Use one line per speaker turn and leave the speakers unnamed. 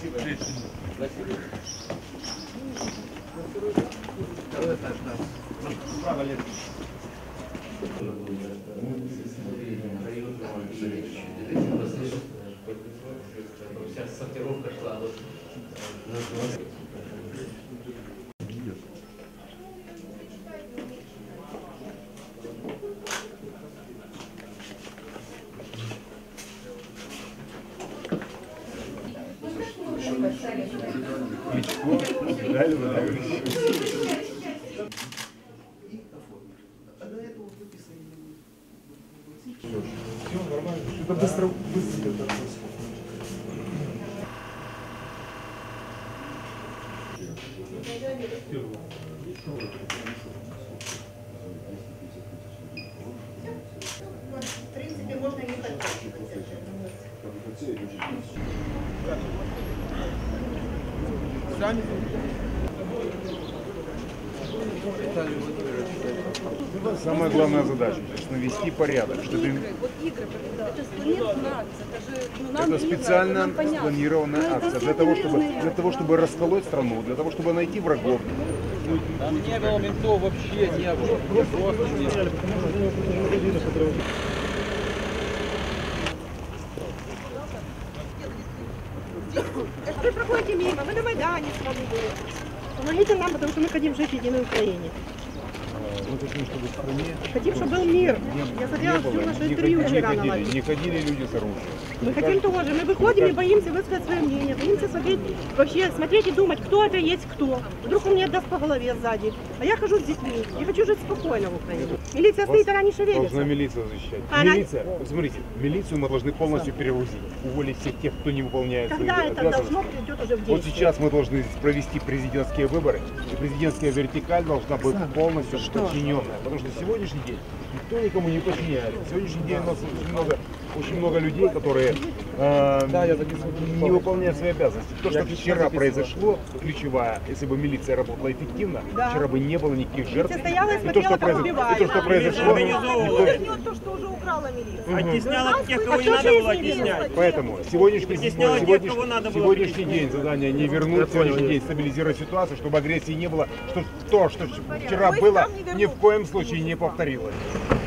Вся сортировка шла.
Все нормально. Это быстро
В принципе, можно ехать.
Самая главная задача – навести порядок. Это специально спланированная акция для того, чтобы расколоть страну, для того, чтобы найти врагов.
Там не было ментов вообще, не было. Просто не было.
Вы проходите мимо, вы на Майдане с вами были. Помогите нам, потому что мы хотим жить в единой Украине.
Мы хотим, чтобы в стране
Хотим, чтобы был мир. Я смотрела всю нашу интервью вчера на лайве.
не ходили люди с оружием.
Мы хотим тоже. Мы выходим и боимся высказать свое мнение. Боимся смотреть и думать, кто это есть кто. Вдруг он мне даст по голове сзади. А я хожу с детьми. Я хочу жить спокойно в Украине. Милиция стоит, она не шевелится.
Должна милиция защищать. Милиция, смотрите, милицию мы должны полностью перегрузить. Уволить всех тех, кто не выполняет свои
Когда это
обязанности.
должно придет уже в действие?
Вот сейчас мы должны провести президентские выборы, и президентская вертикаль должна быть полностью подчиненная, потому что сегодняшний день никто никому не подчиняется. Сегодняшний день у нас очень много людей, которые не выполняют свои обязанности. То, что вчера произошло, ключевая, если бы милиция работала эффективно, вчера бы не было никаких жертв. И то, что произошло,
то, что уже украла милиция.
Оттесняла тех, кого не надо было оттеснять.
Поэтому сегодняшний день задание не вернуть, сегодняшний день стабилизировать ситуацию, чтобы агрессии не было, что то, что вчера было, ни в коем случае не повторилось.